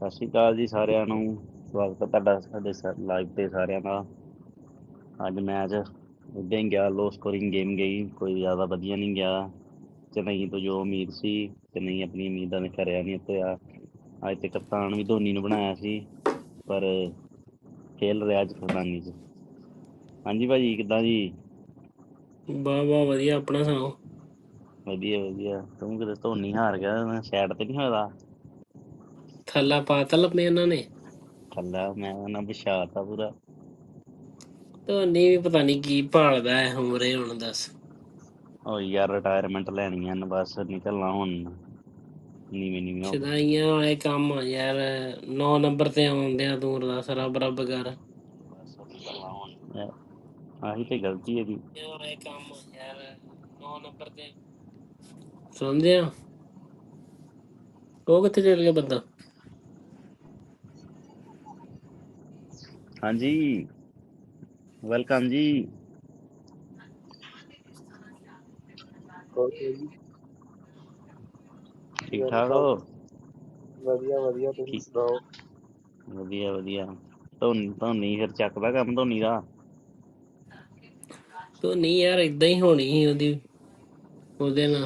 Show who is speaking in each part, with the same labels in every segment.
Speaker 1: ਸਤਿ ਸ਼੍ਰੀ ਅਕਾਲ ਜੀ ਸਾਰਿਆਂ ਨੂੰ। ਸਵਾਗਤ ਹੈ ਤੁਹਾਡਾ ਸਾਡੇ ਲਾਈਵ ਤੇ ਸਾਰਿਆਂ ਦਾ। ਅੱਜ ਮੈਚ ਇੱਦਾਂ ਹੀ ਗਿਆ, ਲੋ ਸਕੋਰਿੰਗ ਗੇਮ ਗਈ, ਕੋਈ ਜ਼ਿਆਦਾ ਵਧੀਆ ਨਹੀਂ ਗਿਆ। ਚੇਨਈ ਤੋਂ ਜੋ ਉਮੀਦ ਸੀ ਚੇਨਈ ਆਪਣੀ ਉਮੀਦਾਂ ਨੇ ਕਰਿਆ ਨਹੀਂ ਉਤਰਿਆ। ਅੱਜ ਤੇ ਕਪਤਾਨ ਵੀ ਧੋਨੀ ਨੂੰ ਬਣਾਇਆ ਸੀ, ਪਰ ਖੇਲ ਰਿਹਾ ਜਫਰਦਾਨੀ 'ਚ। ਹਾਂਜੀ ਭਾਜੀ, ਕਿੱਦਾਂ ਜੀ?
Speaker 2: ਵਾਹ ਵਾਹ ਵਧੀਆ, ਆਪਣਾ ਸੁਣਾਓ।
Speaker 1: ਵਧੀਆ ਵਧੀਆ। ਤੂੰ ਕਿਤੇ ਧੋਨੀ ਹਾਰ ਗਿਆ, ਸਾਈਡ ਤੇ ਨਹੀਂ ਹੋਇਆ?
Speaker 2: ਥੱਲਾ ਪਾਤਾ ਲੱਪੇ ਉਹਨਾਂ ਨੇ।
Speaker 1: ਥੱਲਾ ਮੈਂ ਉਹਨਾਂ ਵਿਛਾਤਾ ਪੂਰਾ।
Speaker 2: ਧੋਨੀ ਵੀ ਪਤਾ ਨਹੀਂ ਕੀ ਭਾਲਦਾ ਹੈ ਉਮਰੇ ਹੁਣ ਦੱਸ।
Speaker 1: ਉਹ ਯਾਰ ਰਿਟਾਇਰਮੈਂਟ ਲੈਣੀ ਆ ਬਸ, ਨਿਕਲਣਾ ਹੁਣ ਨੀਵੀਂ ਨੀਵੀਂ ਹੋ ਕੇ।
Speaker 2: ਸ਼ਦਾਈਆਂ ਵਾਲੇ ਕੰਮ ਆ ਯਾਰ, 9 ਨੰਬਰ ਤੇ ਆਉਂਦਿਆਂ ਤੂੰ ਅਰਦਾਸ ਰੱਬ ਰੱਬ ਕਰ।
Speaker 1: ਬਸ ਨਿਕਲਣਾ ਹੁਣ, ਆਹੀ ਤੇ ਗਲਤੀ ਇਹਦੀ।
Speaker 2: ਕੰਮ ਯਾਰ 9 ਨੰਬਰ ਤੇ ਸੁਣਦੇ ਆ। ਉਹ ਕਿੱਥੇ ਚੱਲ ਗਿਆ ਬੰਦਾ?
Speaker 1: ਹਾਂਜੀ, ਵੈਲਕਮ ਜੀ। ਠੀਕ ਠਾਕ ਹੋ?
Speaker 3: ਵਧੀਆ ਵਧੀਆ, ਤੁਸੀਂ ਸੁਣਾਓ।
Speaker 1: ਵਧੀਆ ਵਧੀਆ। ਧੋਨੀ ਫਿਰ ਚੱਕਦਾ ਕੰਮ ਧੋਨੀ ਦਾ?
Speaker 2: ਧੋਨੀ ਯਾਰ ਏਦਾਂ ਹੀ ਹੋਣੀ ਸੀ ਉਹਦੇ ਨਾਲ,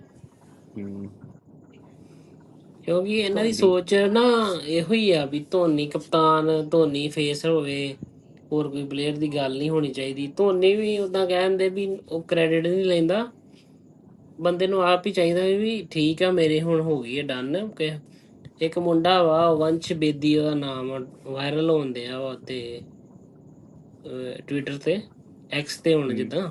Speaker 2: ਕਿਉਂਕਿ ਇਹਨਾਂ ਦੀ
Speaker 1: ਧੋਨੀ
Speaker 2: ਸੋਚ ਨਾ ਇਹੋ ਹੀ ਆ ਵੀ ਧੋਨੀ ਕਪਤਾਨ, ਧੋਨੀ ਫੇਸ ਹੋਵੇ, ਹੋਰ ਕੋਈ ਪਲੇਅਰ ਦੀ ਗੱਲ ਨਹੀਂ ਹੋਣੀ ਚਾਹੀਦੀ। ਧੋਨੀ ਵੀ ਓਦਾਂ ਕਹਿੰਦੇ ਵੀ ਉਹ ਕ੍ਰੈਡਿਟ ਨਹੀਂ ਲੈਂਦਾ, ਬੰਦੇ ਨੂੰ ਆਪ ਹੀ ਚਾਹੀਦਾ ਵੀ ਠੀਕ ਆ ਮੇਰੇ ਹੁਣ ਹੋ ਗਈ ਹੈ ਡਨ। ਇੱਕ ਮੁੰਡਾ ਵਾ ਵੰਸ਼ ਬੇਦੀ ਉਹਦਾ ਨਾਮ, ਵਾਇਰਲ ਹੋਣ ਡਿਆ ਵਾ ਤੇ ਟਵਿੱਟਰ ਤੇ, ਐਕਸ ਤੇ ਹੁਣ ਜਿੱਦਾਂ।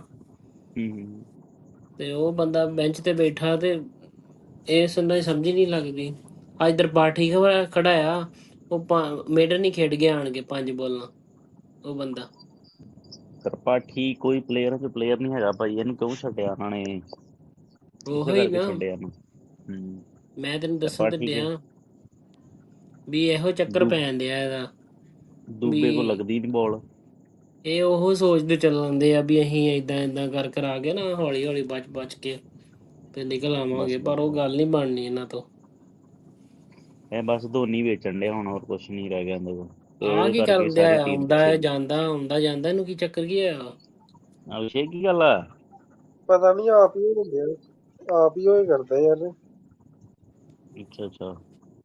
Speaker 2: ਤੇ ਉਹ ਬੰਦਾ ਬੈਂਚ ਤੇ ਬੈਠਾ ਤੇ ਇਸ ਨੂੰ ਸਮਝ ਨਹੀਂ ਲੱਗਦੀ। ਅੱਜ ਤ੍ਰਿਪਾਠੀ ਖੜਾਇਆ, ਉਹ ਮੇਡਨ ਨਹੀਂ ਖੇਡ ਗਿਆ ਆਣ ਕੇ 5 ਬਾਲਾਂ। ਉਹ ਬੰਦਾ
Speaker 1: ਤ੍ਰਿਪਾਠੀ ਕੋਈ ਪਲੇਅਰ ਨਹੀਂ ਹੈਗਾ ਭਾਈ, ਇਹਨੂੰ ਕਿਉਂ ਛੱਡਿਆ ਉਹਨਾਂ ਨੇ? ਇਸੇ
Speaker 2: ਉਹੀ
Speaker 1: ਕਰਕੇ
Speaker 2: ਨਾ
Speaker 1: ਛੱਡਿਆ ਇਹਨੂੰ।
Speaker 2: ਮੈਂ ਤੈਨੂੰ ਦੱਸਣ ਤੇ
Speaker 1: ਤ੍ਰਿਪਾਠੀ ਕੇ
Speaker 2: ਡਿਆ ਵੀ ਇਹੋ ਚੱਕਰ ਪੈਣ ਡਿਆ ਇਹਦਾ
Speaker 1: ਦੂਬੇ ਕੋਲ
Speaker 2: ਵੀ
Speaker 1: ਲੱਗਦੀ ਨਹੀਂ ਬੋਲ।
Speaker 2: ਇਹ ਉਹ ਸੋਚਦੇ ਚੱਲਦੇ ਆ ਵੀ ਅਸੀਂ ਏਦਾਂ ਕਰ ਕੇ ਨਾ ਹੌਲੀ ਹੌਲੀ ਬਚ ਕੇ ਤੇ ਨਿਕਲ ਆਵਾਂਗੇ,
Speaker 1: ਬਸ
Speaker 2: ਪਰ ਉਹ
Speaker 1: ਬਸ
Speaker 2: ਗੱਲ ਨਹੀਂ ਬਣਨੀ ਇਹਨਾਂ ਤੋਂ।
Speaker 1: ਇਹ ਬਸ ਧੋਨੀ ਵੇਚਣ ਡਿਆ ਹੁਣ, ਹੋਰ ਕੁਛ ਨਹੀਂ ਰਹਿ ਗਿਆ ਇਹਦੇ ਕੋਲ। ਤੇ
Speaker 2: ਆਹ
Speaker 1: ਉਹਦੇ
Speaker 2: ਕੀ
Speaker 1: ਕਰਕੇ
Speaker 2: ਕਰਨ ਡਿਆ
Speaker 1: ਸਾਰੀ
Speaker 2: ਆ?
Speaker 1: ਟੀਮ ਪਿੱਛੇ।
Speaker 2: ਆਉਂਦਾ ਜਾਂਦਾ, ਇਹਨੂੰ ਕੀ ਚੱਕਰ ਕੀ ਆ?
Speaker 1: ਅਭਿਸ਼ੇਕ ਕੀ ਗੱਲ ਆ?
Speaker 3: ਪਤਾ ਨਹੀਂ, ਆਪ ਹੀ ਹੁੰਦੇ ਆ, ਆਪ ਹੀ ਹੋਏ ਕਰਦਾ ਯਾਰ।
Speaker 1: ਅੱਛਾ ਅੱਛਾ,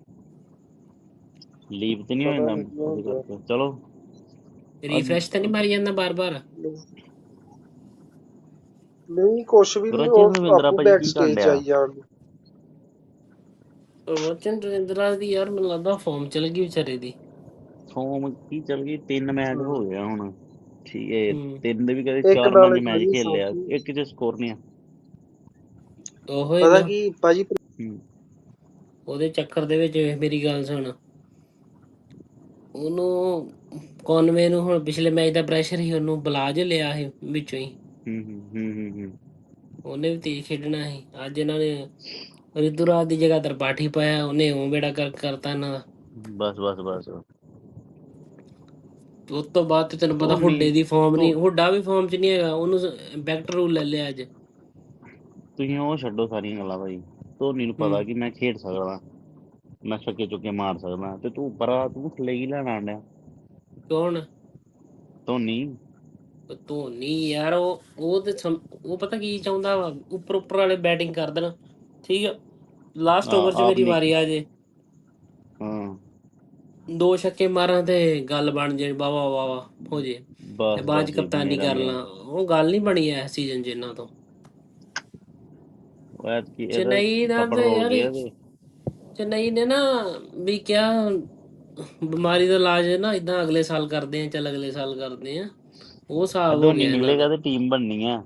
Speaker 1: ਲੀਵ ਤੇ ਨਹੀਂ ਹੋ
Speaker 3: ਪਤਾ
Speaker 1: ਜਾਂਦਾ
Speaker 3: ਨਹੀਂ ਕੀ
Speaker 1: ਉਹਦੇ
Speaker 3: ਹੁੰਦਾ।
Speaker 1: ਕਰਕੇ? ਚਲੋ
Speaker 2: ਰੀਫਰੈਸ਼ ਤਾਂ ਨਹੀਂ ਮਾਰੀ ਜਾਂਦਾ ਬਾਰ
Speaker 3: ਨਹੀਂ ਕੁਛ ਵੀ ਨਹੀਂ,
Speaker 1: ਗੁਰਬਚਨ
Speaker 3: ਉਹ
Speaker 1: ਰਵਿੰਦਰਾ
Speaker 3: ਆਪੂ
Speaker 1: ਭਾਜੀ
Speaker 3: ਬੈਕ
Speaker 1: ਕੀ ਕਰਨ
Speaker 3: ਸਟੇਜ 'ਚ
Speaker 1: ਡਿਆ?
Speaker 3: ਆਈ ਜਾਣ।
Speaker 2: ਵਚਨ ਰਵਿੰਦਰਾ ਦੀ ਯਾਰ ਮੈਨੂੰ ਲੱਗਦਾ ਫਾਰਮ ਚਲ ਗਈ ਵਿਚਾਰੇ ਦੀ।
Speaker 1: ਫੋਮ ਕੀ ਚੱਲ ਗਈ, 3 ਮੈਚ ਹੋ ਗਿਆ ਹੁਣ। ਠੀਕ ਹੈ, 3 ਦੇ ਵੀ ਕਦੇ
Speaker 3: ਇੱਕ
Speaker 1: 4-5
Speaker 3: ਨਾਲ
Speaker 1: ਮੈਚ
Speaker 3: ਭਾਜੀ
Speaker 1: ਖੇਲ ਲਿਆ,
Speaker 3: ਸਾਂਝੀ,
Speaker 1: ਇੱਕ 'ਚ ਸਕੋਰ ਨਹੀਂ ਆ।
Speaker 2: ਉਹੋ ਹੀ
Speaker 3: ਪਤਾ
Speaker 2: ਨਾ,
Speaker 3: ਕੀ ਭਾਜੀ,
Speaker 2: ਉਹਦੇ ਚੱਕਰ ਦੇ ਵਿੱਚ ਮੇਰੀ ਗੱਲ ਸੁਣ, ਉਹਨੂੰ ਕੋਨਵੇ ਨੂੰ ਹੁਣ ਪਿਛਲੇ ਮੈਚ ਦਾ ਪ੍ਰੈਸ਼ਰ ਸੀ, ਉਹਨੂੰ ਬੁਲਾ ਜੇ ਲਿਆ ਸੀ ਵਿੱਚੋਂ ਹੀ। ਉਹਨੇ ਵੀ ਤੇਜ਼ ਖੇਡਣਾ ਸੀ। ਅੱਜ ਇਹਨਾਂ ਨੇ ਰਿਤੂਰਾਜ ਦੀ ਜਗ੍ਹਾ ਤ੍ਰਿਪਾਠੀ ਪਾਇਆ, ਉਹਨੇ ਉਹ ਬੇੜਾ ਕਰਤਾ ਇਹਨਾਂ ਦਾ।
Speaker 1: ਬਸ ਬਸ ਬਸ।
Speaker 2: ਉਸ ਤੋਂ ਬਾਅਦ ਤੇ ਤੈਨੂੰ ਪਤਾ
Speaker 1: ਧੋਨੀ
Speaker 2: ਹੁੱਡੇ ਦੀ ਫਾਰਮ
Speaker 1: ਧੋ
Speaker 2: ਨਹੀਂ, ਹੁੱਡਾ ਵੀ ਫਾਰਮ 'ਚ ਨਹੀਂ ਹੈਗਾ, ਉਹਨੂੰ ਬੈਕਟ ਰੂਲ ਲੈ ਲਿਆ ਅੱਜ।
Speaker 1: ਤੁਸੀਂ ਉਹ ਛੱਡੋ ਸਾਰੀਆਂ ਗੱਲਾਂ ਭਾਈ। ਧੋਨੀ ਨੂੰ ਪਤਾ ਕਿ ਮੈਂ ਖੇਡ ਸਕਦਾ, ਮੈਂ ਛੱਕੇ ਚੁੱਕੇ ਮਾਰ ਸਕਦਾ, ਤੇ ਤੂੰ ਥੱਲੇ ਕੀ ਲੈਣ ਆਣ ਡਿਆ?
Speaker 2: ਕੌਣ?
Speaker 1: ਧੋਨੀ।
Speaker 2: ਧੋਨੀ ਯਾਰ ਉਹ ਤੇ ਉਹ ਪਤਾ ਕੀ ਚਾਹੁੰਦਾ ਵਾ, ਉੱਪਰ ਵਾਲੇ ਬੈਟਿੰਗ ਕਰ ਦੇਣ, ਠੀਕ ਆ, ਲਾਸਟ ਓਵਰ 'ਚ
Speaker 1: ਆਪ
Speaker 2: ਮੇਰੀ
Speaker 1: ਨਹੀਂ।
Speaker 2: ਵਾਰੀ ਆ ਜੇ,
Speaker 1: ਹਾਂ
Speaker 2: 2 ਛੱਕੇ ਮਾਰਾਂ ਤੇ ਗੱਲ ਬਣ ਜੇ, ਵਾਹ ਵਾਹ ਹੋ ਜੇ, ਤੇ
Speaker 1: ਬਸ
Speaker 2: ਬਾਅਦ 'ਚ
Speaker 1: ਬਸ
Speaker 2: ਕਪਤਾਨੀ ਕਰ ਲਾਂ। ਉਹ ਗੱਲ ਨਹੀਂ ਬਣੀ ਐ ਸੀਜ਼ਨ 'ਚ ਇਹਨਾਂ ਤੋਂ।
Speaker 1: ਇਹਦਾ
Speaker 2: ਚੇਨਈ ਦਾ
Speaker 1: ਥੱਪੜ
Speaker 2: ਤੇ
Speaker 1: ਰੋਲ
Speaker 2: ਯਾਰ,
Speaker 1: ਗਿਆ ਤੇ
Speaker 2: ਚੇਨਈ ਨੇ ਨਾ ਵੀ ਕਿਹਾ ਬਿਮਾਰੀ ਦਾ ਇਲਾਜ ਨਾ ਇਦਾਂ ਅਗਲੇ ਸਾਲ ਕਰਦੇ ਆ, ਚੱਲ ਅਗਲੇ ਸਾਲ ਕਰਦੇ ਆ, ਉਹ ਹਿਸਾਬ ਹੋ
Speaker 1: ਧੋਨੀ
Speaker 2: ਗਿਆ ਇਹਨਾਂ
Speaker 1: ਨਿਕਲੇਗਾ
Speaker 2: ਦਾ।
Speaker 1: ਤੇ ਟੀਮ ਬਣਨੀ ਆ।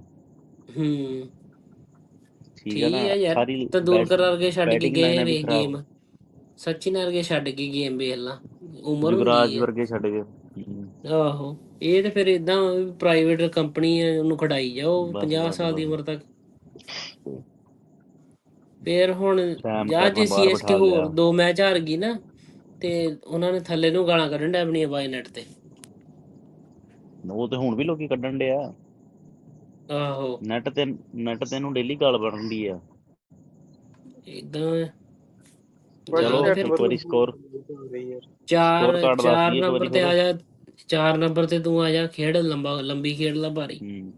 Speaker 2: ਠੀਕ ਆ ਯਾਰ,
Speaker 1: ਸਾਰੀ
Speaker 2: ਤੰਦੂਲਕਰ ਵਰਗੇ ਛੱਡ ਕੇ
Speaker 1: ਬੈਟਿੰਗ
Speaker 2: ਗਏ
Speaker 1: ਲਾਈਨਾਂ ਵੀ
Speaker 2: ਵੇਖ
Speaker 1: ਖਰਾਬ।
Speaker 2: ਗੇਮ, ਸਚਿਨ ਵਰਗੇ ਛੱਡ ਕੇ ਗੇਮ ਵੇਖ ਲਾ, ਉਮਰ
Speaker 1: ਯੁਵਰਾਜ
Speaker 2: ਹੁੰਦੀ ਹੈ।
Speaker 1: ਵਰਗੇ ਛੱਡ ਗਏ।
Speaker 2: ਆਹੋ, ਇਹ ਤੇ ਫਿਰ ਏਦਾਂ ਪ੍ਰਾਈਵੇਟ ਕੰਪਨੀ ਹੈ, ਉਹਨੂੰ ਖੜਾਈ ਜਾਓ
Speaker 1: ਬਸ
Speaker 2: 50
Speaker 1: ਬਸ
Speaker 2: ਸਾਲ ਦੀ
Speaker 1: ਬਸ
Speaker 2: ਉਮਰ ਤੱਕ। ਫਿਰ ਹੁਣ
Speaker 1: ਸੈਮ
Speaker 2: ਜਾਂ
Speaker 1: ਕਰਨ
Speaker 2: ਜੇ
Speaker 1: ਬਾਹਰ
Speaker 2: CSK
Speaker 1: ਬਿਠਾ
Speaker 2: ਹੋਰ
Speaker 1: ਲਿਆ।
Speaker 2: 2 ਮੈਚ ਹਾਰ ਗਈ ਨਾ, ਤੇ ਉਹਨਾਂ ਨੇ ਥੱਲੇ ਨੂੰ ਗਾਲਾਂ ਕੱਢਣ ਡੈ ਆਪਣੀਆਂ ਬਾਈਨੈਟ ਤੇ।
Speaker 1: ਉਹ ਤੇ ਹੁਣ ਵੀ ਲੋਕੀ ਕੱਢਣ ਡੇ ਆ।
Speaker 2: ਆਹੋ
Speaker 1: ਨੈਟ ਤੇ ਇਹਨੂੰ ਡੇਲੀ ਗਾਲ ਬਣਨ ਦੀ ਆ।
Speaker 2: ਏਦਾਂ
Speaker 3: ਭਾਜੀ
Speaker 2: ਜਾਓ ਫਿਰ
Speaker 1: ਇੱਕ ਵਾਰੀ
Speaker 3: ਨੈਟਵਰਕ
Speaker 2: ਚਾਰ
Speaker 1: ਕਾਰਡ ਦੱਸ
Speaker 2: ਚਾਰ
Speaker 1: ਦਈਏ ਇੱਕ
Speaker 2: ਨੰਬਰ
Speaker 1: ਵਾਰੀ
Speaker 2: ਤੇ
Speaker 1: ਫਿਰ।
Speaker 2: ਆ ਜਾ 4 ਨੰਬਰ ਤੇ ਤੂੰ ਆ ਜਾ ਖੇਡ ਲੰਬੀ ਖੇਡ ਲਾ ਭਾਰੀ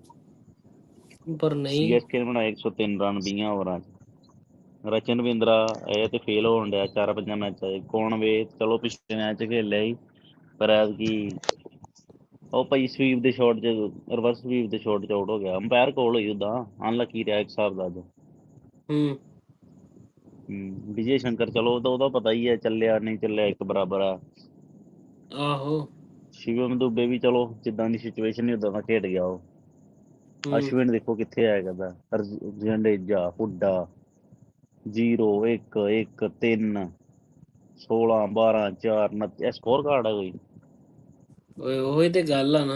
Speaker 2: ਪਰ ਨਹੀਂ
Speaker 1: ਸੀਐਸਕੇ ਨੇ ਬਣਾਏ 103 ਰਨ 20 ਓਵਰਾਂ 'ਚ। ਰਚਨ ਰਵਿੰਦਰਾ ਇਹ ਤੇ ਫੇਲ ਹੋਣ ਡਿਆ 4-5 ਮੈਚਾਂ 'ਚ। ਕੋਨਵੇ ਚਲੋ ਪਿਛਲੇ ਮੈਚ 'ਚ ਖੇਲਿਆ ਸੀ ਪਰ ਐਤਕੀ ਉਹ ਭਾਈ ਸਵੀਪ ਦੇ ਸ਼ਾਟ 'ਚ ਰਿਵਰਸ ਸਵੀਪ ਦੇ ਸ਼ਾਟ 'ਚ ਆਊਟ ਹੋ ਗਿਆ। ਅੰਪਾਇਰ ਕੋਲ ਹੋਈ ਉਦਾਂ ਅਨਲੱਕੀ ਰਿਹਾ ਇੱਕ ਹਿਸਾਬ ਦਾ ਅੱਜ।
Speaker 2: ਹੂੰ
Speaker 1: ਵਿਜੇ ਸ਼ੰਕਰ ਚਲੋ ਉਹਦਾ ਪਤਾ ਹੀ ਹੈ ਚੱਲਿਆ ਨਹੀਂ ਚੱਲਿਆ ਇੱਕ ਬਰਾਬਰ ਆ।
Speaker 2: ਆਹੋ
Speaker 1: ਸ਼ਿਵਮ ਦੁਬੇ ਵੀ ਚਲੋ ਜਿੱਦਾਂ ਦੀ ਸਿਚੁਏਸ਼ਨ ਹੀ ਉਦਾਂ ਦਾ ਖੇਡ ਗਿਆ ਉਹ। ਅਸ਼ਵਿਨ ਦੇਖੋ ਕਿੱਥੇ ਆਇਆ ਕਰਦਾ। ਜੰਡੇਜਾ ਹੁੱਡਾ 0 1 1 3 16 12 4 29 ਇਹ ਸਕੋਰ ਕਾਰਡ ਹੈ ਕੋਈ।
Speaker 2: ਓਏ ਉਹੀ ਤੇ ਗੱਲ ਆ ਨਾ।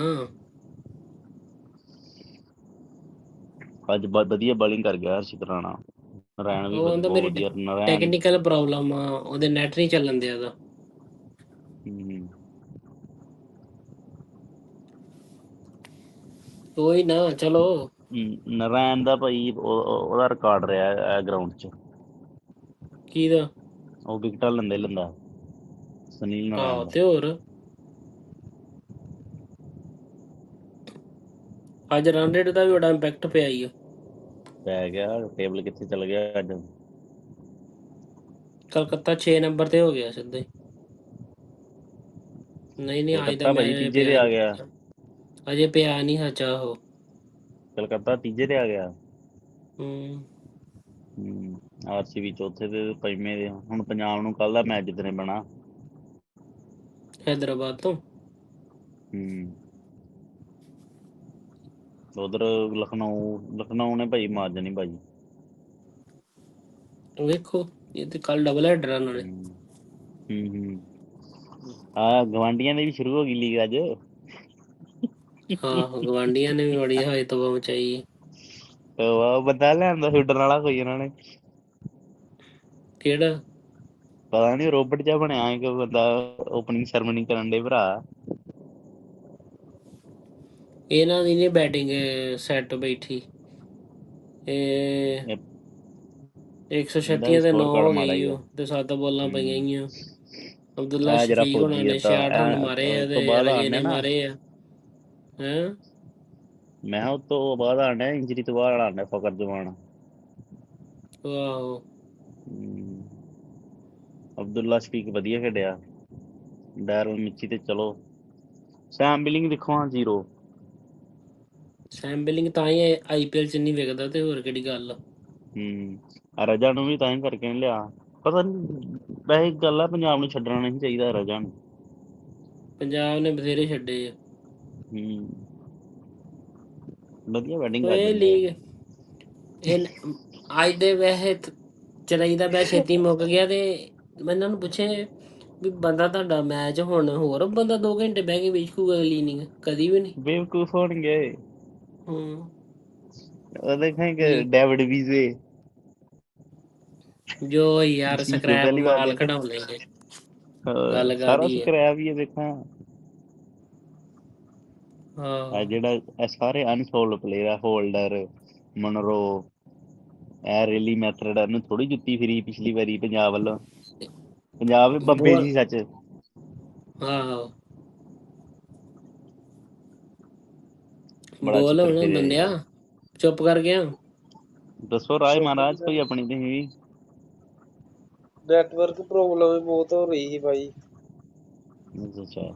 Speaker 1: ਅੱਜ ਵਧੀਆ ਬੋਲਿੰਗ ਕਰ ਗਿਆ ਹਰਸ਼ਿਤ ਰਾਣਾ। ਰੈਣ ਵੀ
Speaker 2: ਉਹ ਕਹਿੰਦਾ
Speaker 1: ਬਹੁਤ
Speaker 2: ਮੇਰੀ
Speaker 1: ਵਧੀਆ ਨਰੈਣ।
Speaker 2: ਟੈਕਨੀਕਲ ਪ੍ਰੋਬਲਮ ਆ ਉਹਦੇ ਨੈਟ ਨਹੀਂ ਚੱਲਣ ਦਿਆ ਉਹਦਾ। ਉਹੀ ਨਾ ਚਲੋ
Speaker 1: ਨਰੈਣ ਦਾ ਭਾਈ ਉਹਦਾ ਰਿਕਾਰਡ ਰਿਹਾ ਇਹ ਗਰਾਊਂਡ 'ਚ।
Speaker 2: ਕਿਹਦਾ?
Speaker 1: ਉਹ ਵਿਕਟਾਂ ਲੈਂਦਾ ਸੁਨੀਲ ਨਰੈਣ
Speaker 2: ਆਹੋ
Speaker 1: ਦਾ।
Speaker 2: ਤੇ ਹੋਰ ਅੱਜ ਰਨ ਰੇਟ ਦਾ ਵੀ ਬੜਾ ਇੰਪੈਕਟ ਪਿਆ ਹੀ ਆ।
Speaker 1: ਪੈ ਗਿਆ ਟੇਬਲ ਕਿੱਥੇ ਚਲ ਗਿਆ ਅੱਜ।
Speaker 2: ਕਲਕੱਤਾ 6 ਨੰਬਰ ਤੇ ਹੋ ਗਿਆ ਸਿੱਧਾ ਹੀ। ਨਹੀਂ ਅੱਜ ਦਾ
Speaker 1: ਕਲਕੱਤਾ ਭਾਜੀ
Speaker 2: ਮੈਚ
Speaker 1: ਤੀਜੇ ਤੇ
Speaker 2: ਪਿਆ
Speaker 1: ਆ ਗਿਆ।
Speaker 2: ਅਜੇ ਪਿਆ ਨਹੀਂ ਹਜਾ ਉਹ।
Speaker 1: ਕਲਕੱਤਾ ਤੀਜੇ ਤੇ ਆ ਗਿਆ। ਆਰਸੀਬੀ ਚੌਥੇ ਤੇ ਪੰਜਵੇਂ ਦੇ। ਹੁਣ ਪੰਜਾਬ ਨੂੰ ਕੱਲ ਦਾ ਮੈਚ ਜਿੱਤਣੇ ਪੈਣਾ।
Speaker 2: ਹੈਦਰਾਬਾਦ ਤੋਂ
Speaker 1: ਉਧਰ ਲਖਨਊ ਨੇ ਭਾਈ ਮਾਰ ਜਾਣੀ ਭਾਜੀ।
Speaker 2: ਵੇਖੋ ਇਹ ਤੇ ਕੱਲ ਡਬਲ ਹੈਡਰ ਆ ਨਾਲੇ।
Speaker 1: ਗਵਾਂਢੀਆਂ ਦੀ ਵੀ ਸ਼ੁਰੂ ਹੋ ਗਈ ਲੀਗ ਅੱਜ।
Speaker 2: ਆਹੋ ਗਵਾਂਢੀਆਂ ਨੇ ਵੀ ਬੜੀ ਹਾਈ ਤਬਾਹ ਮਚਾਈ।
Speaker 1: ਬੰਦਾ ਲਿਆਂਦਾ ਛੁੱਡਣ ਵਾਲਾ ਕੋਈ ਇਹਨਾਂ ਨੇ।
Speaker 2: ਕਿਹੜਾ?
Speaker 1: ਪਤਾ ਨੀ ਰੋਬਟ ਜਿਹਾ ਬਣਿਆ ਇੱਕ ਬੰਦਾ ਓਪਨਿੰਗ ਸੈਰਮਨੀ ਕਰਨ ਦੇ ਭਰਾ।
Speaker 2: ਇਹਨਾਂ ਦੀ ਨੀ ਬੈਟਿੰਗ ਸੈੱਟ ਬੈਠੀ। ਇਹ 136
Speaker 1: ਇਹਦਾ ਵੀ
Speaker 2: ਤੇ 9
Speaker 1: ਸਕੋਰ ਕਾਰਡ
Speaker 2: ਹੋ
Speaker 1: ਮਾੜਾ
Speaker 2: ਗਈ
Speaker 1: ਹੀ ਆ।
Speaker 2: ਉਹ ਤੇ 7 ਬੋਲਾਂ ਪਈਆਂ ਗਈਆਂ। ਅਬਦੁੱਲਾ
Speaker 1: ਆ ਜਿਹੜਾ
Speaker 2: ਸ਼ਫੀਕ ਹੋਣਾ
Speaker 1: ਫੌਜੀ
Speaker 2: ਨੇ
Speaker 1: ਤਾਂ
Speaker 2: 66 ਰਨ ਮਾਰੇ ਆ
Speaker 1: ਉਸ
Speaker 2: ਤੇ
Speaker 1: ਤੋਂ ਬਾਅਦ
Speaker 2: ਰਜੇ
Speaker 1: ਆਣੇ
Speaker 2: ਨੇ
Speaker 1: ਨਾ
Speaker 2: ਮਾਰੇ ਆ।
Speaker 1: ਮੈਂ ਉਸ ਤੋਂ ਬਾਅਦ ਆਣਾ ਇੰਜਰੀ ਤੋਂ ਬਾਅਦ ਆਣਾ ਫਕਰ ਜਮਾਨ।
Speaker 2: ਆਹੋ
Speaker 1: ਅਬਦੁੱਲਾ ਸ਼ਫੀਕ ਵਧੀਆ ਖੇਡਿਆ। ਡੈਰਲ ਮਿੱਚੀ ਤੇ ਚਲੋ ਸੈਮ ਬਿਲਿੰਗ ਦੇਖੋ 0।
Speaker 2: ਸੈਮ ਬਿਲਿੰਗ ਤਾਂ ਹੀ IPL ਚ ਨਹੀਂ ਵਿਕਦਾ ਤੇ ਹੋਰ ਕਿਹੜੀ ਗੱਲ ਆ।
Speaker 1: ਰਜਾ ਨੂੰ ਵੀ ਤਾਂ ਹੀ ਕਰਕੇ ਨਹੀਂ ਲਿਆ। ਪਤਾ ਨੀ ਵੈਸੇ ਗੱਲ ਆ ਪੰਜਾਬ ਨੂੰ ਛੱਡਣਾ ਨਹੀਂ ਚਾਹੀਦਾ ਰਜਾ ਨੂੰ।
Speaker 2: ਪੰਜਾਬ ਨੇ ਬਥੇਰੇ ਛੱਡੇ ਆ।
Speaker 1: ਵਧੀਆ ਬੈਟਿੰਗ ਕਰ
Speaker 2: ਇਹ
Speaker 1: ਦਿੰਦਾ।
Speaker 2: ਲੀਗ ਅੱਜ ਦੇ ਵੈਸੇ ਚਲਾਈ ਦਾ ਮੈਂ ਛੇਤੀ ਮੁੱਕ ਗਿਆ ਤੇ ਮੈਂ ਇਹਨਾਂ ਨੂੰ ਪੁੱਛੇ ਵੀ ਬੰਦਾ ਤੁਹਾਡਾ ਮੈਚ ਹੁਣ ਹੋਰ ਬੰਦਾ 2 ਘੰਟੇ ਬਹਿ ਕੇ ਵੇਖੂਗਾ ਅਗਲੀ ਇਨਿੰਗ ਕਦੀ ਵੀ ਨਹੀਂ।
Speaker 1: ਬੇਵਕੂਫ ਹੋਣਗੇ। ਉਹ ਦੇਖਾਂਗੇ
Speaker 2: ਵੀ
Speaker 1: ਡੇਵਿਡ ਵੀਜ਼ੇ
Speaker 2: ਜੋ ਯਾਰ
Speaker 1: ਜੋ
Speaker 2: ਸਕ੍ਰੈਪ
Speaker 1: ਪਹਿਲੀ ਵਾਰ
Speaker 2: ਮਾਲ
Speaker 1: ਦੇਖਿਆ
Speaker 2: ਕਢਾਉਣ ਲੈਂਦੇ ਗੱਲ
Speaker 1: ਸਾਰਾ
Speaker 2: ਕਰਦੀ ਹੈ।
Speaker 1: ਸਕਰੈਪ ਵੀ ਦੇਖਾਂ।
Speaker 2: ਹਾਂ
Speaker 1: ਜਿਹੜਾ ਇਹ ਸਾਰੇ ਅਨਸੋਲਡ ਪਲੇਅਰ ਆ ਹੋਲਡਰ ਮਨਰੋ ਇਹ ਰੇਲੀ ਮੈਥਡ ਇਹਨੂੰ ਥੋੜੀ ਜੁੱਤੀ ਫਿਰੀ ਪਿਛਲੀ ਵਾਰੀ ਪੰਜਾਬ ਵੱਲੋਂ। ਪੰਜਾਬ ਬੰਬੇ ਸੀ ਸੱਚ।
Speaker 2: ਆਹੋ
Speaker 1: ਬੜਾ
Speaker 2: ਬੋਲ
Speaker 1: ਛਿੱਤਰ
Speaker 2: ਹੁਣ
Speaker 1: ਫਿਰਿਆ
Speaker 2: ਬੰਦਿਆ
Speaker 1: ਯਾਰ।
Speaker 2: ਚੁੱਪ ਕਰ ਗਿਆ।
Speaker 1: ਦੱਸੋ ਰਾਏ ਮਹਾਰਾਜ ਕੋਈ ਆਪਣੀ ਤੁਸੀਂ।
Speaker 3: ਨੈਟਵਰਕ ਪ੍ਰੋਬਲਮ ਵੀ ਬਹੁਤ ਹੋ ਰਹੀ ਸੀ ਭਾਈ।
Speaker 1: ਅੱਛਾ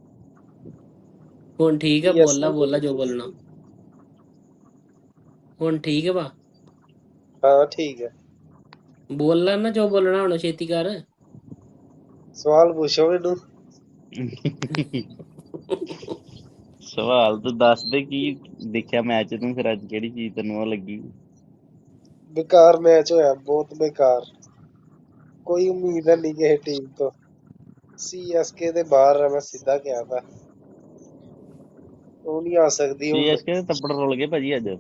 Speaker 2: ਹੁਣ ਠੀਕ ਆ ਬੋਲਾ ਜੋ ਬੋਲਣਾ।
Speaker 3: CSK
Speaker 2: ਹੁਣ ਠੀਕ ਵਾ।
Speaker 3: ਹਾਂ ਠੀਕ ਹੈ।
Speaker 2: ਬੋਲਣਾ ਨਾ ਜੋ ਬੋਲਣਾ ਹੁਣ ਛੇਤੀ ਕਰ।
Speaker 3: ਸਵਾਲ ਪੁੱਛੋ ਮੈਨੂੰ।
Speaker 1: ਸਵਾਲ ਤੂੰ ਦੱਸ ਦੇ ਕੀ ਦੇਖਿਆ ਮੈਚ ਤੂੰ ਫਿਰ ਅੱਜ ਕਿਹੜੀ ਚੀਜ਼ ਤੈਨੂੰ ਉਹ ਲੱਗੀ।
Speaker 3: ਬੇਕਾਰ ਮੈਚ ਹੋਇਆ ਬਹੁਤ ਬੇਕਾਰ। ਕੋਈ ਉਮੀਦ ਨਹੀਂ ਕਿਸੇ ਟੀਮ ਤੋਂ। CSK ਦੇ ਬਾਹਰ ਆ ਮੈਂ ਸਿੱਧਾ ਕਿਹਾ ਤਾ। ਉਹ ਨਹੀਂ ਆ ਸਕਦੀ ਹੁਣ।
Speaker 1: CSK ਦੇ ਤੱਪੜ ਰੁਲ ਗਏ ਭਾਜੀ ਅੱਜ।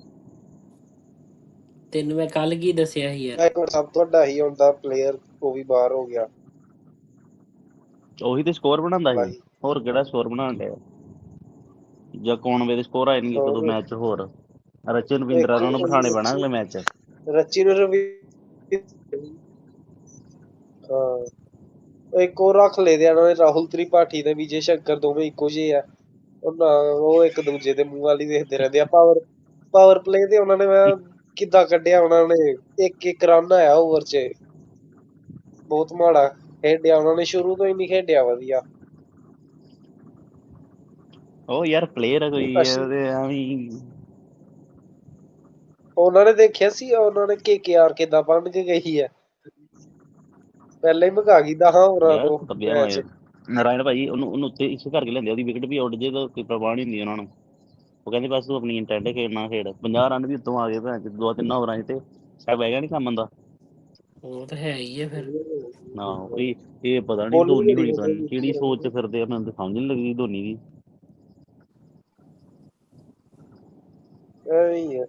Speaker 2: ਤੈਨੂੰ ਮੈਂ ਕੱਲ ਕੀ ਦੱਸਿਆ ਸੀ ਯਾਰ।
Speaker 3: ਇੱਕ ਸਭ ਤੋਂ ਵੱਡਾ ਹੀ ਹੁੰਦਾ ਪਲੇਅਰ ਉਹ ਵੀ ਬਾਹਰ ਹੋ ਗਿਆ।
Speaker 1: ਉਹੀ ਤੇ ਸਕੋਰ ਬਣਾਉਂਦਾ ਸੀ।
Speaker 3: ਲਾਹੀ
Speaker 1: ਹੋਰ ਕਿਹੜਾ ਸਕੋਰ ਬਣਾਉਣ ਡਿਆ ਜਾਂ ਕੌਣ ਦੇ ਸਕੋਰ ਆਏ ਨੇ ਇੱਕ ਦੋ ਮੈਚ ਹੋਰ। ਰਚਨ ਰਵਿੰਦਰਾ ਉਹਨਾਂ ਨੂੰ ਬਿਠਾਣੇ ਪੈਣਾ ਅਗਲੇ ਮੈਚ ਚ।
Speaker 3: ਰਚੀ ਨੂੰ ਹਾਂ ਇੱਕ ਉਹ ਰੱਖ ਲਏ ਦੇ ਆ ਉਹਨਾਂ ਨੇ ਰਾਹੁਲ ਤ੍ਰਿਪਾਠੀ ਤੇ ਵਿਜੇ ਸ਼ੰਕਰ ਦੋਵੇਂ ਇੱਕੋ ਜਿਹੇ ਆ ਉਹ ਇੱਕ ਦੂਜੇ ਦੇ ਮੂੰਹ ਵਾਲੀ ਵੇਖਦੇ ਰਹਿੰਦੇ ਆ ਪਾਵਰ ਪਲੇ ਤੇ ਉਹਨਾਂ ਨੇ ਮੈਂ ਕਿੱਦਾਂ ਕੱਢਿਆ ਉਹਨਾਂ ਨੇ ਇੱਕ ਰਨ ਆਇਆ ਓਵਰ 'ਚ ਬਹੁਤ ਮਾੜਾ ਖੇਡਿਆ ਉਹਨਾਂ ਨੇ ਸ਼ੁਰੂ ਤੋਂ ਹੀ ਨਹੀਂ ਖੇਡਿਆ ਵਧੀਆ
Speaker 1: ਉਹ ਯਾਰ ਪਲੇਅਰ ਕੋਈ
Speaker 3: ਅਸ਼ਵਿਨ
Speaker 1: ਉਹਦੇ ਐਵੇਂ
Speaker 3: ਉਹਨਾਂ ਨੇ ਦੇਖਿਆ ਸੀ ਉਹਨਾਂ ਨੇ KKR ਕਿੱਦਾਂ ਬਣ ਕੇ ਗਈ ਹੈ ਪਹਿਲਾਂ ਹੀ ਭਗਾ ਗਈ 10 ਓਵਰਾਂ
Speaker 1: ਯਾਰ
Speaker 3: ਤੋਂ
Speaker 1: ਦੱਬਿਆ
Speaker 3: ਮੈਚ
Speaker 1: ਹੋਇਆ ਨਾਰਾਇਣ ਭਾਜੀ ਉਹਨੂੰ ਉੱਤੇ ਇਸ ਕਰਕੇ ਲੈਂਦੇ ਉਹਦੀ ਵਿਕਟ ਵੀ ਉੱਡ ਜੇ ਤਾਂ ਕੋਈ ਪਰਵਾਹ ਨਹੀਂ ਹੁੰਦੀ ਉਹਨਾਂ ਨੂੰ ਉਹ ਕਹਿੰਦੇ ਬਸ ਤੂੰ ਆਪਣੀ ਇੰਟੈਂਟ ਖੇਡਣਾ ਖੇਡ 50 ਰਨ ਵੀ ਉੱਤੋਂ ਆ ਗਏ ਭੈਣ 'ਚ 2-3 ਓਵਰਾਂ 'ਚ ਤੇ ਸ਼ਾਇਦ ਬਹਿ ਗਿਆ ਨਹੀਂ ਕੰਮ ਆਂਦਾ
Speaker 2: ਉਹ ਤਾਂ ਹੈ ਹੀ ਆ ਫਿਰ
Speaker 1: ਨਾ ਉਹੀ ਇਹ ਪਤਾ ਨਹੀਂ
Speaker 3: ਬੋਲਿੰਗ
Speaker 1: ਧੋਨੀ
Speaker 3: ਬੜੀ
Speaker 1: ਹੋਣੀ ਪਤਾ
Speaker 3: ਵਧੀਆ
Speaker 1: ਨੀ
Speaker 3: ਕੀਤੀ
Speaker 1: ਕਿਹੜੀ ਸੋਚ 'ਚ
Speaker 3: ਉਹਨਾਂ
Speaker 1: ਫਿਰਦੇ ਆ ਮੈਨੂੰ ਤਾਂ ਸਮਝ ਨਹੀਂ ਲੱਗਦੀ ਧੋਨੀ ਦੀ
Speaker 3: ਨੇ ਐਵੇਂ ਹੀ ਆ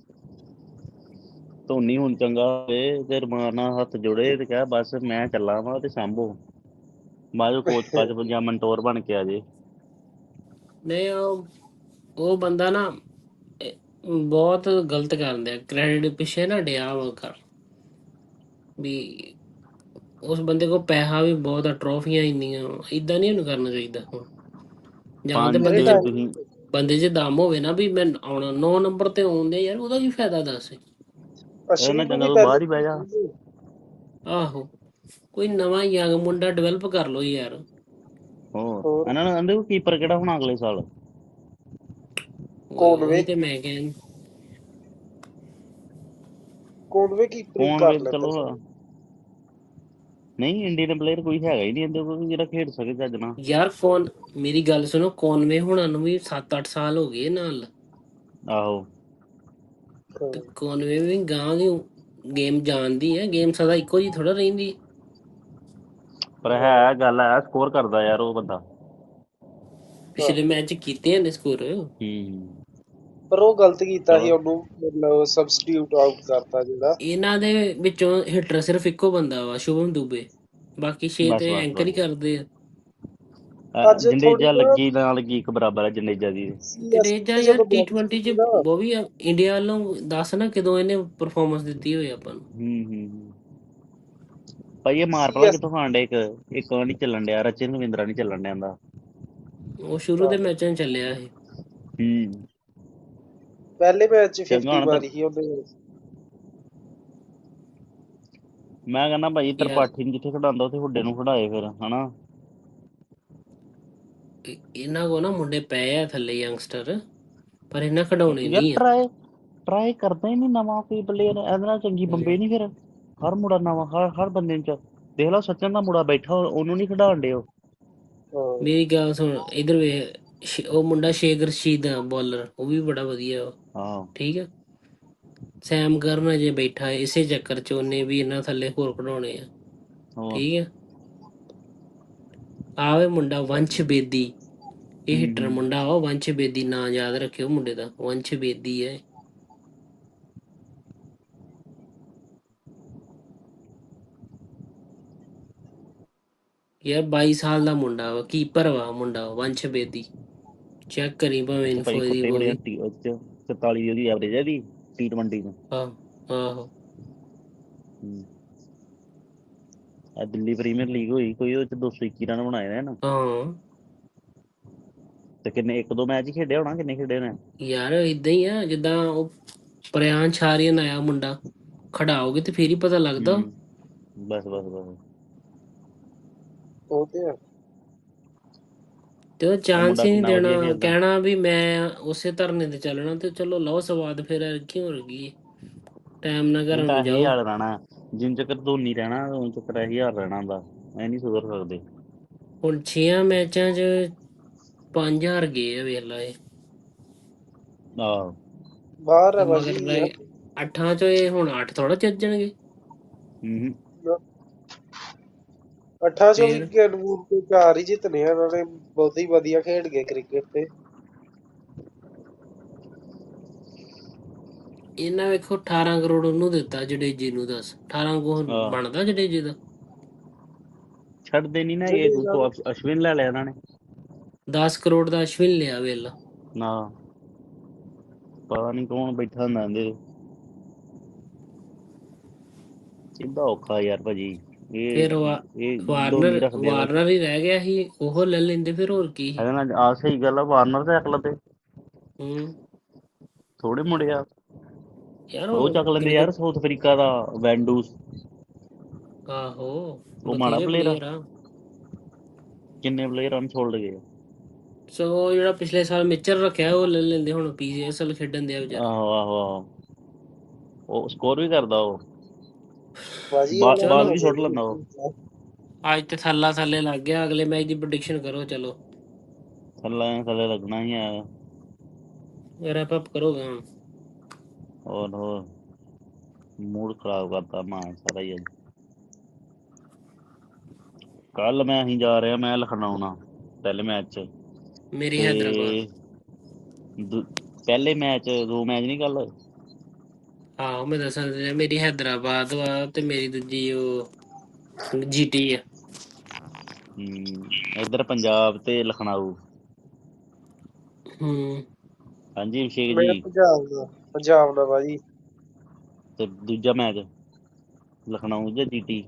Speaker 1: ਧੋਨੀ ਹੁਣ ਚੰਗਾ ਹੋਵੇ ਤੇ ਰਮਾਨ ਨਾਲ ਹੱਥ ਜੋੜੇ ਤੇ ਕਹਿ ਬਸ ਮੈਂ ਚੱਲਾਂ ਵਾਂ ਤੇ ਸਾਂਭੋ ਬਾਅਦ ਚੋਂ ਕੋਚ ਕਾਚ ਜਾਂ ਮੰਟੋਰ ਬਣ ਕੇ ਆ ਜੇ
Speaker 2: ਨਹੀਂ ਉਹ ਬੰਦਾ ਨਾ ਬਹੁਤ ਗਲਤ ਕਰਦੇ ਆ ਕ੍ਰੈਡਿਟ ਪਿੱਛੇ ਨਾ ਡਿਆ ਵਾ ਕਰ ਵੀ ਉਸ ਬੰਦੇ ਕੋਲ ਪੈਸਾ ਵੀ ਬਹੁਤ ਆ ਟਰੋਫੀਆਂ ਇੰਨੀਆਂ ਇਦਾਂ ਨਹੀਂ ਉਹਨੂੰ ਕਰਨਾ ਚਾਹੀਦਾ ਹੁਣ ਜਾਂ ਤੇ
Speaker 1: 5
Speaker 3: ਅਰੇ
Speaker 1: ਤੇ
Speaker 3: ਟਾਈਮ
Speaker 1: ਤੁਸੀਂ
Speaker 2: ਬੰਦੇ 'ਚ ਦਮ ਹੋਵੇ ਨਾ ਵੀ ਮੈਂ ਆਉਣਾ 9 ਨੰਬਰ ਤੇ ਆਉਂਦੇ ਯਾਰ ਉਹਦਾ ਕੀ ਫਾਇਦਾ ਦੱਸ
Speaker 1: ਇਹਦੇ ਨਾਲ
Speaker 3: ਅਸ਼ਵਿਨ ਨੂੰ
Speaker 1: ਚੰਗਾ
Speaker 3: ਵੀ
Speaker 1: ਤੂੰ
Speaker 3: ਪਹਿਲੇ
Speaker 1: ਬਾਹਰ ਹੀ ਬਹਿ ਜਾ
Speaker 2: ਆਹੋ ਕੋਈ ਨਵਾਂ ਯੰਗ ਮੁੰਡਾ ਡਿਵੈਲਪ ਕਰ ਲੋ ਯਾਰ
Speaker 1: ਹੋਰ
Speaker 3: ਹੋਰ
Speaker 1: ਇਹਨਾਂ ਨੂੰ ਕਹਿੰਦੇ ਕੀਪਰ ਕਿਹੜਾ ਹੋਣਾ ਅਗਲੇ ਸਾਲ
Speaker 2: ਉਹੀ
Speaker 3: ਕੋਨਵੇ
Speaker 2: ਤੇ ਮੈਂ ਕਹਿੰ
Speaker 3: ਕੋਨਵੇ ਕੀਪਰਿੰਗ
Speaker 1: ਕੌਣ
Speaker 3: ਕਰ
Speaker 1: ਵੇ
Speaker 3: ਲੈਂਦਾ
Speaker 1: ਚਲੋ
Speaker 3: ਸਰ
Speaker 1: ਨਹੀਂ ਇੰਡੀਅਨ ਪਲੇਅਰ ਕੋਈ ਹੈਗਾ ਹੀ ਨਹੀਂ ਇਹਦੇ ਕੋਲ ਜਿਹੜਾ ਖੇਡ ਸਕੇ ਚੱਜ ਨਾਲ
Speaker 2: ਯਾਰ ਮੇਰੀ ਗੱਲ ਸੁਣੋ ਕੌਨਵੇ ਹੁਣਾਂ ਨੂੰ ਵੀ 7-8 ਸਾਲ ਹੋ ਗਏ ਨਾਲ
Speaker 1: ਆਹੋ
Speaker 2: ਤੇ ਕੌਨਵੇ ਵੀ ਗਾਂ ਦੀ ਗੇਮ ਜਾਣਦੀ ਹੈ ਗੇਮ ਸਦਾ ਇੱਕੋ ਜੀ ਥੋੜਾ ਰਹਿੰਦੀ
Speaker 1: ਪਰ ਹੈ ਗੱਲ ਹੈ ਸਕੋਰ ਕਰਦਾ ਯਾਰ ਉਹ ਬੰਦਾ
Speaker 2: ਪਿਛਲੇ ਮੈਚ ਕੀਤੇ ਨੇ ਸਕੋਰ
Speaker 3: ਪਰ ਉਹ ਗਲਤ ਕੀਤਾ ਸੀ
Speaker 1: ਚਲੋ
Speaker 3: ਉਹਨੂੰ ਮਤਲਬ ਸਬਸਟੀਟਿਊਟ ਆਊਟ ਕਰਤਾ ਜਿਹੜਾ
Speaker 2: ਇਹਨਾਂ ਦੇ ਵਿੱਚੋਂ ਹਿੱਟਰ ਸਿਰਫ ਇੱਕੋ ਬੰਦਾ ਵਾ ਸ਼ੁਭਮ ਦੁਬੇ ਬਾਕੀ 6
Speaker 1: ਬਸ
Speaker 2: ਤੇ
Speaker 1: ਬਸ
Speaker 2: ਐਂਕਰ ਹੀ
Speaker 1: ਬਸ
Speaker 2: ਕਰਦੇ ਆ
Speaker 3: ਅੱਜ ਥੋੜੀ
Speaker 1: ਜੰਡੇਜਾ
Speaker 3: ਨਾ
Speaker 1: ਲੱਗੀ ਨਾ ਲੱਗੀ ਇੱਕ ਬਰਾਬਰ ਹੈ ਜੰਡੇਜਾ ਦੀ
Speaker 2: ਜਡੇਜਾ
Speaker 3: ਸੀਐਸਕੇ
Speaker 2: ਯਾਰ
Speaker 3: ਜਦੋਂ ਬਾਰਿਸ਼
Speaker 2: T20 ਚ
Speaker 3: ਕੀਤੀ ਨਾ
Speaker 2: ਉਹ ਵੀ ਇੰਡੀਆ ਵੱਲੋਂ ਦੱਸ ਨਾ ਕਦੋਂ ਇਹਨੇ ਪਰਫਾਰਮੈਂਸ ਦਿੱਤੀ ਹੋਈ ਆਪਾਂ ਨੂੰ
Speaker 1: ਭਾਈ ਇਹ ਮਾਰ ਪਲਾ
Speaker 3: ਸੀਐਸ
Speaker 1: ਕਿੱਥੋਂ ਖਾਣ ਡੇ ਇੱਕ ਉਹ ਨਹੀਂ ਚੱਲਣ ਡਿਆ ਰਚਨ ਰਵਿੰਦਰਾ ਨਹੀਂ ਚੱਲਣ ਡਿਆ ਦਾ
Speaker 2: ਉਹ ਸ਼ੁਰੂ ਦੇ ਮੈਚਾਂ 'ਚ ਚੱਲਿਆ ਇਹ
Speaker 3: ਪਹਿਲੇ ਮੈਚ 'ਚ
Speaker 1: ਚੰਗਾ
Speaker 3: 50
Speaker 1: ਹੁਣ
Speaker 3: ਮਾਰੀ ਸੀ ਉਹਨੇ
Speaker 1: ਮੈਂ ਕਹਿੰਦਾ ਭਾਈ
Speaker 2: ਯਾਰ
Speaker 1: ਤਰਪਾਠੀ ਨੂੰ ਜਿੱਥੇ ਖਡਾਉਂਦਾ ਉੱਥੇ ਹੁੱਡੇ ਨੂੰ ਖੜਾਏ ਫਿਰ ਹਨਾ
Speaker 2: ਇਹਨਾਂ ਕੋ ਨਾ ਮੁੰਡੇ ਪਏ ਆ ਥੱਲੇ ਯੰਗਸਟਰ ਪਰ ਇਹਨਾਂ ਖਿਡਾਉਣੇ
Speaker 1: ਯਾਰ
Speaker 2: ਨਹੀਂ ਆ
Speaker 1: ਟਰਾਈ ਕਰਦਾ ਹੀ ਨਹੀਂ ਨਵਾਂ ਕੋਈ ਪਲੇਅਰ ਇਹਦੇ ਨਾਲ ਚੰਗੀ ਬੰਬੇ ਨਹੀਂ ਫਿਰ ਹਰ ਮੁੰਡਾ ਨਵਾਂ ਹਰ ਬੰਦੇ ਚ ਦੇਖ ਲਓ ਸਚਨ ਦਾ ਮੁੰਡਾ ਬੈਠਾ ਉਹਨੂੰ ਨਹੀਂ ਖਿਡਾਉਣ ਡੇ ਉਹ
Speaker 2: ਮੇਰੀ ਗੱਲ ਸੁਣ ਇਧਰ ਵੇ ਉਹ ਮੁੰਡਾ ਸ਼ੇਖ ਰਸ਼ੀਦ ਆ ਬੋਲਰ ਉਹ ਵੀ ਬੜਾ ਵਧੀਆ
Speaker 1: ਹਾਂ
Speaker 2: ਠੀਕ ਆ ਸੈਮ ਕਰਨ ਅਜੇ ਬੈਠਾ ਇਸੇ ਚੱਕਰ 'ਚ ਉਹਨੇ ਵੀ ਇਹਨਾਂ ਥੱਲੇ ਹੋਰ ਖਿਡਾਉਣੇ ਆ ਠੀਕ ਆ ਆਵੇ ਮੁੰਡਾ ਵੰਸ਼ ਬੇਦੀ ਇਹ ਹਿੱਟਰ ਮੁੰਡਾ ਵਾ ਵੰਸ਼ ਬੇਦੀ ਨਾਂ ਯਾਦ ਰੱਖਿਓ ਮੁੰਡੇ ਦਾ ਵੰਸ਼ ਬੇਦੀ ਹੈ ਯਾਰ 22 ਸਾਲ ਦਾ ਮੁੰਡਾ ਵਾ ਕੀਪਰ ਵਾ ਮੁੰਡਾ ਵੰਸ਼ ਬੇਦੀ ਚੈੱਕ ਕਰੀ ਭਾਵੇਂ
Speaker 1: ਭਾਈ
Speaker 2: ਇਨਫੋ ਦੀ
Speaker 1: ਕੁੱਤੇ
Speaker 2: ਉਹ
Speaker 1: ਬੜੇ
Speaker 2: ਵੀ
Speaker 1: 44 ਦੀ ਉਹਦੀ ਐਵਰੇਜ ਹੈ ਦੀ T20 ਚ
Speaker 2: ਆਹੋ
Speaker 1: ਆ ਦਿੱਲੀ ਪ੍ਰੀਮੀਅਰ ਲੀਗ ਹੋਈ ਕੋਈ ਉਹ ਚ 221 ਰਨ ਬਣਾਏ ਨੇ ਨਾ
Speaker 2: ਹਾਂ
Speaker 1: ਤੇ ਕਿੰਨੇ ਇੱਕ ਦੋ ਮੈਚ ਹੀ ਖੇਡਿਆ ਹੋਣਾ ਕਿੰਨੇ ਖੇਡੇ ਨੇ
Speaker 2: ਯਾਰ ਇਦਾਂ ਹੀ ਆ ਜਿੱਦਾਂ ਉਹ ਪ੍ਰਿਆਨ ਛਾਰੀਅਨ ਆਇਆ ਮੁੰਡਾ ਖੜਾਓਗੇ ਤੇ ਫੇਰ ਹੀ ਪਤਾ ਲੱਗਦਾ
Speaker 1: ਬਸ
Speaker 3: ਉਹ ਤੇ ਆ
Speaker 2: ਤੇ ਉਹ ਚਾਂਸ
Speaker 1: ਮੁੰਡਾ
Speaker 2: ਹੀ ਨਹੀਂ
Speaker 1: ਕਿੰਨਾ ਵਧੀਆ
Speaker 2: ਦੇਣਾ
Speaker 1: ਖੇਡਦਾ
Speaker 2: ਕਹਿਣਾ ਵੀ ਮੈਂ ਉਸੇ ਧਰਨੇ ਤੇ ਚੱਲਣਾ ਤੇ ਚਲੋ ਲਓ ਸਵਾਦ ਫਿਰ ਕਿਉਂ ਰਗੀ ਟਾਈਮ ਨਾਲ ਘਰਾਂ
Speaker 1: ਤਾਂ
Speaker 2: ਨੂੰ
Speaker 1: ਇਹ
Speaker 2: ਜਾਓ
Speaker 1: ਹਾਲ ਰਹਿਣਾ ਜਿੰਨ ਚੱਕਰ ਧੋਨੀ ਰਹਿਣਾ ਉਨ ਚੱਕਰ ਇਹ ਹਾਲ ਰਹਿਣਾ ਹੁੰਦਾ ਐ ਨਹੀਂ ਸੁਧਰ ਸਕਦੇ
Speaker 2: ਹੁਣ 6 ਮੈਚਾਂ 'ਚ 5000 ਗਏ ਆ ਵੇਖ ਲਾ ਇਹ
Speaker 1: ਆਹ
Speaker 3: ਬਾਹਰ
Speaker 2: ਤੇ
Speaker 3: ਹੈ
Speaker 2: ਮਗਰ
Speaker 3: ਭਾਜੀ
Speaker 2: ਰਹਿ 8 'ਚੋਂ ਇਹ ਹੁਣ 8 ਥੋੜਾ ਚੱਜਣਗੇ
Speaker 3: ਅੱਠਾਂ ਚੋਂ ਵੀ
Speaker 2: ਫੇਰ
Speaker 3: ਗੇਂਦ ਤੇ 4 ਹੀ ਜਿੱਤਨੇ ਆ ਉਹਨਾਂ ਨੇ ਬਹੁਤ ਹੀ ਵਧੀਆ ਖੇਡ ਗਏ ਕ੍ਰਿਕਟ ਤੇ
Speaker 2: ਇਹਨਾਂ ਵੇਖੋ 18 ਕਰੋੜ ਉਹਨੂੰ ਦਿੱਤਾ ਜਡੇਜੇ ਨੂੰ ਦੱਸ 18 ਕਰੋੜ ਬਣਦਾ ਜਡੇਜੇ ਦਾ
Speaker 1: ਛੱਡਦੇ ਨਹੀਂ ਨਾ ਇਹ ਤੋਂ ਅਸ਼ਵਿਨ ਲੈ ਲਿਆ ਇਹਨਾਂ ਨੇ
Speaker 2: 10 ਕਰੋੜ ਦਾ ਅਸ਼ਵਿਨ ਲਿਆ ਵੇਲਾ
Speaker 1: ਨਾ ਪਤਾ ਨਹੀਂ ਕੌਣ ਬੈਠਾ ਹੁੰਦਾ ਇਹਦੇ ਸਿੱਧਾ ਔਖਾ ਯਾਰ ਭਾਜੀ
Speaker 2: ਫਿਰ
Speaker 1: ਇਹ ਧੋਨੀ
Speaker 2: ਵਾਰਨਰ
Speaker 1: ਰੱਖਦੇ ਆ ਬਸ।
Speaker 2: ਵਾਰਨਰ ਹੀ ਰਹਿ ਗਿਆ ਸੀ, ਉਹ ਲੈ ਲੈਂਦੇ ਫਿਰ, ਹੋਰ ਕੀ ਸੀ।
Speaker 1: ਇਹਦੇ ਨਾਲ ਆ ਸਹੀ ਗੱਲ ਆ, ਵਾਰਨਰ ਤੇ ਅਕਲ ਤੇ
Speaker 2: ਹੂੰ
Speaker 1: ਥੋੜੇ ਮੁੰਡੇ ਆ।
Speaker 2: ਯਾਰ
Speaker 1: ਉਹ
Speaker 2: ਹੁਣ
Speaker 1: ਚੱਕ ਲੈਂਦੇ
Speaker 2: ਕ੍ਰਿਕਟ,
Speaker 1: ਯਾਰ ਸਾਊਥ ਅਫਰੀਕਾ ਦਾ ਵੈਂਡੂਸ।
Speaker 2: ਆਹੋ
Speaker 1: ਉਹ ਮਾੜਾ
Speaker 2: ਬਥੇਰੇ ਪਲੇਅਰ ਆ।
Speaker 1: ਕਿੰਨੇ ਪਲੇਅਰ ਅਨਫੋਲਡ ਗਏ।
Speaker 2: ਸਗੋਂ ਜਿਹੜਾ ਪਿਛਲੇ ਸਾਲ ਮਿਚਰ ਰੱਖਿਆ ਉਹ ਲੈ ਲੈਂਦੇ, ਹੁਣ PSL ਖੇਡਣ ਦੇ ਵਿਚਾਰਾ।
Speaker 1: ਆਹੋ ਆਹੋ ਆਹੋ, ਉਹ ਸਕੋਰ ਵੀ ਕਰਦਾ ਉਹ,
Speaker 3: ਭਾਜੀ ਉਹਨਾਂ
Speaker 1: ਬਾਲ
Speaker 2: ਚਲੋ
Speaker 1: ਵੀ ਸੁੱਟ ਲੈਂਦਾ ਉਹ।
Speaker 3: ਨੂੰ
Speaker 2: ਅੱਜ ਤੇ ਥੱਲੇ ਲੱਗ ਗਿਆ, ਅਗਲੇ ਮੈਚ ਦੀ ਪ੍ਰੈਡਿਕਸ਼ਨ ਕਰੋ ਚਲੋ।
Speaker 1: ਥੱਲੇ ਲੱਗਣਾ ਹੀ ਆ।
Speaker 2: ਰੈਪ ਅਪ ਕਰੋਗੇ ਹੁਣ।
Speaker 1: ਹੋਰ ਮੂਡ ਖਰਾਬ ਕਰਤਾ ਮਾਂ ਸਾਰਾ ਹੀ ਅੱਜ। ਕੱਲ ਅਸੀਂ ਜਾ ਰਿਹਾ, ਮੈਂ ਲਖਨਊ ਨਾਲ ਪਹਿਲੇ ਮੈਚ ਚ,
Speaker 2: ਮੇਰੀ ਹੈਦਰਾਬਾਦ।
Speaker 1: ਤੇ ਪਹਿਲੇ ਮੈਚ 2 ਮੈਚ ਨਹੀਂ ਕੱਲ।
Speaker 2: ਆਹੋ ਮੈਂ ਦੱਸਾਂ ਤੇ ਮੇਰੀ ਹੈਦਰਾਬਾਦ ਵਾ, ਤੇ ਮੇਰੀ ਦੂਜੀ ਉਹ GT ਆ।
Speaker 1: ਇੱਧਰ ਪੰਜਾਬ ਤੇ ਲਖਨਊ।
Speaker 2: ਹੂੰ
Speaker 1: ਹਾਂਜੀ ਅਭਿਸ਼ੇਕ
Speaker 3: ਮੈਂ
Speaker 1: ਜੀ।
Speaker 3: ਪੰਜਾਬ ਦਾ ਭਾਜੀ।
Speaker 1: ਤੇ ਦੂਜਾ ਮੈਚ ਲਖਨਊ ਜਾਂ GT।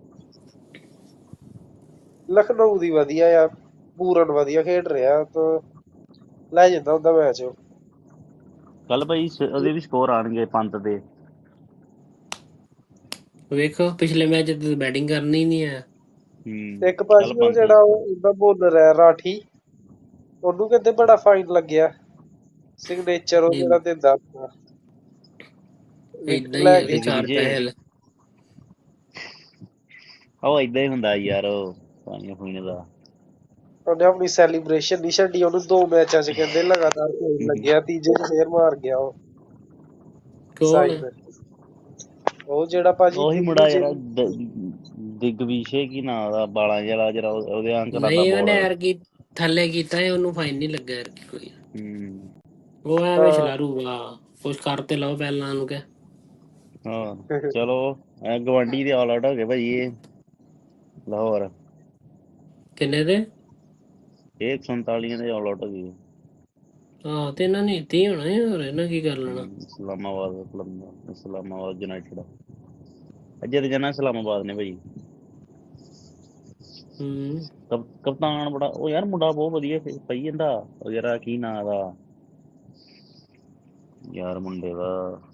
Speaker 3: ਲਖਨਊ ਦੀ ਵਧੀਆ ਆ, ਪੂਰਨ ਵਧੀਆ ਖੇਡ ਰਿਹਾ, ਤਾਂ ਲੈ ਜਾਂਦਾ ਹੁੰਦਾ ਮੈਚ।
Speaker 1: ਕੱਲ ਭਾਈ ਉਹਦੇ ਵੀ ਸਕੋਰ ਆਉਣਗੇ ਪੰਤ ਦੇ।
Speaker 2: ਵੇਖੋ ਪਿਛਲੇ ਮੈਚ ਤੇ ਬੈਟਿੰਗ ਕਰਨੀ ਨਹੀਂ ਆ।
Speaker 3: ਇੱਕ
Speaker 1: ਕੱਲ
Speaker 3: ਭਾਜੀ ਉਹ
Speaker 1: ਪੰਤ ਦੇ
Speaker 3: ਜਿਹੜਾ
Speaker 1: ਸਕੋਰ।
Speaker 3: ਉਹਦਾ ਬੋਲਰ ਹੈ ਰਾਠੀ, ਉਹਨੂੰ ਕਹਿੰਦੇ ਬੜਾ ਫਾਈਨ ਲੱਗਿਆ, ਸਿਗਨੇਚਰ ਉਹ ਜਿਹੜਾ ਦਿੰਦਾ ਵਿਕਟ
Speaker 2: ਏਦਾਂ ਹੀ
Speaker 3: ਲੈ
Speaker 2: ਆ ਕਿ
Speaker 3: ਕੇ।
Speaker 2: 4 ਪੈਸੇ ਲੈ।
Speaker 1: ਉਹ ਏਦਾਂ ਹੀ ਹੁੰਦਾ ਯਾਰ, ਉਹ ਪਾਣੀ ਪੀਣੇ ਦਾ।
Speaker 3: ਉਹਨੇ ਆਪਣੀ ਸੈਲੀਬ੍ਰੇਸ਼ਨ ਨਹੀਂ ਛੱਡੀ, ਉਹਨੂੰ 2 ਮੈਚਾਂ ਚ ਕਹਿੰਦੇ ਲਗਾਤਾਰ ਫਾਈਨ ਲੱਗਿਆ, ਤੀਜੇ ਚ ਫੇਰ ਮਾਰ ਗਿਆ ਉਹ
Speaker 2: ਕੌਣ?
Speaker 3: ਸਾਈਨ। ਉਹ ਜਿਹੜਾ ਭਾਜੀ
Speaker 1: ਉਹੀ ਮੁੰਡਾ
Speaker 3: ਦੂਜੇ
Speaker 1: ਯਾਰ ਦਿਗਵਿਸ਼ੇ ਕੀ ਨਾਂ ਦਾ, ਬਾਲਾਂ ਜਿਹੜਾ ਜਿਹੜਾ ਉਹਦੇ ਅੰਕਲ ਦਾ
Speaker 2: ਨਹੀਂ ਉਹਨੇ
Speaker 1: ਬੋਲਰ।
Speaker 2: ਯਾਰ ਕੀ ਥੱਲੇ ਕੀਤਾ ਸੀ, ਉਹਨੂੰ ਫਾਈਨ ਨਹੀਂ ਲੱਗਾ ਯਾਰ ਕੋਈ।
Speaker 1: ਹੂੰ
Speaker 2: ਉਹ ਐਵੇਂ ਛਲਾਰੂ ਆ, ਕੁਛ ਕਰ ਤੇ ਲਓ ਪਹਿਲਾਂ ਉਹਨੂੰ ਕਹਿ।
Speaker 1: ਹਾਂ ਚਲੋ, ਗਵਾਂਢੀ ਦੇ ਆਲ ਆਊਟ ਹੋ ਗਏ ਭਾਈ ਇਹ ਲਾਹੌਰ।
Speaker 2: ਕਿੰਨੇ ਦੇ?
Speaker 1: ਇਹ 147 ਦੇ ਆਲ ਆਊਟ ਹੋ ਗਏ।
Speaker 2: ਆਹ ਤੇ ਇਹਨਾਂ ਨੇ ਇੱਥੇ ਹੀ ਹੋਣਾ, ਹੋਰ ਇਹਨਾਂ ਕੀ ਕਰ ਲੈਣਾ।
Speaker 1: ਇਸਲਾਮਾਬਾਦ ਯੂਨਾਈਟਿਡ ਅੱਜੇ ਤੇ ਜਾਣਾ ਇਸਲਾਮਾਬਾਦ ਨੇ ਭਾਈ।
Speaker 2: ਹੂੰ
Speaker 1: ਕਪਤਾਨ ਬੜਾ ਉਹ ਯਾਰ, ਮੁੰਡਾ ਬਹੁਤ ਵਧੀਆ ਪਈ ਜਾਂਦਾ ਉਹ ਯਾਰ, ਕੀ ਨਾਂ ਦਾ ਯਾਰ ਮੁੰਡੇ ਦਾ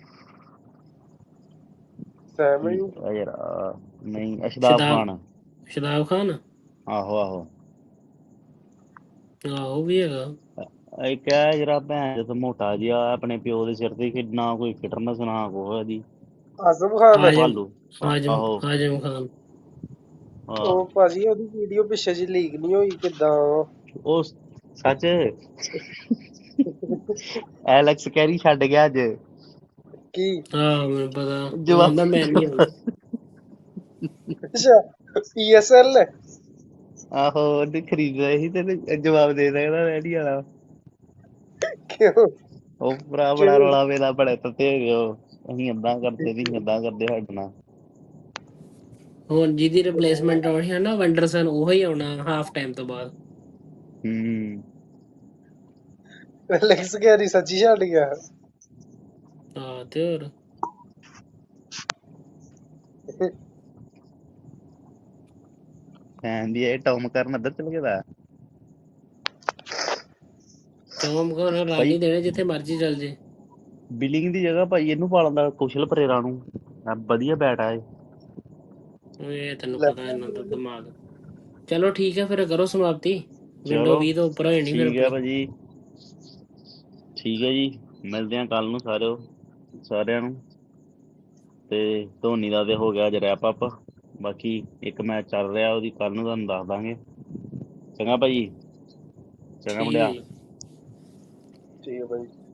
Speaker 1: ਯਾਰ, ਨਹੀਂ ਅਸ਼ਦਾਬ ਖਾਨ।
Speaker 2: ਸ਼ਦਾਬ ਖਾਨ।
Speaker 1: ਆਹੋ ਆਹੋ
Speaker 2: ਆਹੋ ਵੀ ਹੈਗਾ।
Speaker 1: ਇੱਕ ਹੈ ਜਿਹੜਾ ਭੈਣ ਜਦੋਂ ਮੋਟਾ ਜਿਹਾ ਆਪਣੇ ਪਿਓ ਦੇ ਸਿਰ ਤੇ, ਨਾ ਕੋਈ ਫਿਟਨੈਸ ਨਾ ਕੋਈ ਉਹਦੀ।
Speaker 3: ਆਜ਼ਮ ਖਾਨ।
Speaker 1: ਭਾਲੂ ਆਹੋ
Speaker 2: ਆਜਮ ਖਾਨ।
Speaker 3: ਉਹ ਭਾਜੀ ਉਹਦੀ ਵੀਡੀਓ ਪਿੱਛੇ ਜੀ ਲੀਕ ਨਹੀਂ ਹੋਈ ਕਿੱਦਾਂ?
Speaker 1: ਉਹ ਸੱਚ ਐਲੈਕਸ ਕੈਰੀ ਛੱਡ ਗਿਆ ਅੱਜ।
Speaker 3: ਕੀ?
Speaker 2: ਆਹ ਮੈਨੂੰ ਪਤਾ, ਉਹ
Speaker 1: ਜਵਾਬ
Speaker 2: ਕਹਿੰਦਾ ਮੈਂ ਨਹੀਂ ਆਉਣਾ।
Speaker 3: ਅੱਛਾ PSL।
Speaker 1: ਆਹੋ ਉਹਨੇ ਖਰੀਦ ਲਿਆ ਸੀ ਤੇ ਜਵਾਬ ਦੇ ਸਕਦਾ ਮੈਂ ਨਹੀਂ ਆਣਾ।
Speaker 3: ਕਿਉਂ?
Speaker 1: ਉਹ ਭਰਾ ਬੜਾ ਰੌਲਾ ਵੇਲਾ ਬੜੇ ਤੱਤੇ ਹੋ ਗਏ ਉਹ, ਅਸੀਂ ਏਦਾਂ ਕਰਦੇ ਸੀ, ਏਦਾਂ ਕਰਦੇ ਸਾਡੇ ਨਾਲ।
Speaker 2: ਹੁਣ ਜਿਹਦੀ ਰਿਪਲੇਸਮੈਂਟ ਆਉਣੀ ਹੈ ਨਾ ਵੰਡਰਸਨ, ਉਹ ਹੀ ਆਉਣਾ ਹਾਫ ਟਾਈਮ ਤੋਂ ਬਾਅਦ।
Speaker 3: ਐਲੈਕਸ ਕੈਰੀ ਸੱਚੀ ਛੱਡ ਗਿਆ।
Speaker 2: ਹਾਂ ਤੇ ਹੋਰ
Speaker 1: ਦੀ ਇਹ ਟੌਮ ਕਰਨ ਇੱਧਰ ਚਲ ਗਿਆ।
Speaker 2: ਚੌਂਕ ਕੋਲ ਰਨ ਹੀ ਦੇਣੇ ਜਿੱਥੇ ਮਰਜ਼ੀ ਚੱਲ ਜੇ।
Speaker 1: ਬਿਲਿੰਗ ਦੀ ਜਗ੍ਹਾ ਭਾਈ ਇਹਨੂੰ ਪਾ ਲੈਂਦਾ, ਕੁਸ਼ਲ ਪਰੇਰਾ ਨੂੰ। ਵਧੀਆ ਬੈਟ ਆ ਇਹ।
Speaker 2: ਇਹ ਤੈਨੂੰ ਪਤਾ ਇਹਨਾਂ ਦਾ ਦਿਮਾਗ। ਚਲੋ ਠੀਕ ਹੈ ਫਿਰ ਕਰੋ ਸਮਾਪਤੀ, ਵਿੰਡੋ
Speaker 1: ਚਲੋ
Speaker 2: 20 ਤੋਂ ਉੱਪਰ ਹੋਈ ਨਹੀਂ ਫਿਰ
Speaker 1: ਠੀਕ ਹੈ
Speaker 2: ਆਪਣੀ।
Speaker 1: ਭਾਜੀ, ਠੀਕ ਹੈ ਜੀ, ਮਿਲਦੇ ਹਾਂ ਕੱਲ ਨੂੰ ਸਾਰਿਆਂ ਨੂੰ। ਤੇ ਧੋਨੀ ਦਾ ਤੇ ਹੋ ਗਿਆ ਅੱਜ ਰੈਪ ਅਪ, ਬਾਕੀ ਇੱਕ ਮੈਚ ਚੱਲ ਰਿਹਾ ਉਹਦੀ ਕੱਲ ਨੂੰ ਤੁਹਾਨੂੰ ਦੱਸ ਦਾਂਗੇ। ਚੰਗਾ ਭਾਜੀ, ਚੰਗਾ
Speaker 2: ਠੀਕ ਹੈ
Speaker 1: ਮੁੰਡਿਆ।
Speaker 2: ਜੀ।
Speaker 3: ਠੀਕ ਹੈ ਭਾਈ।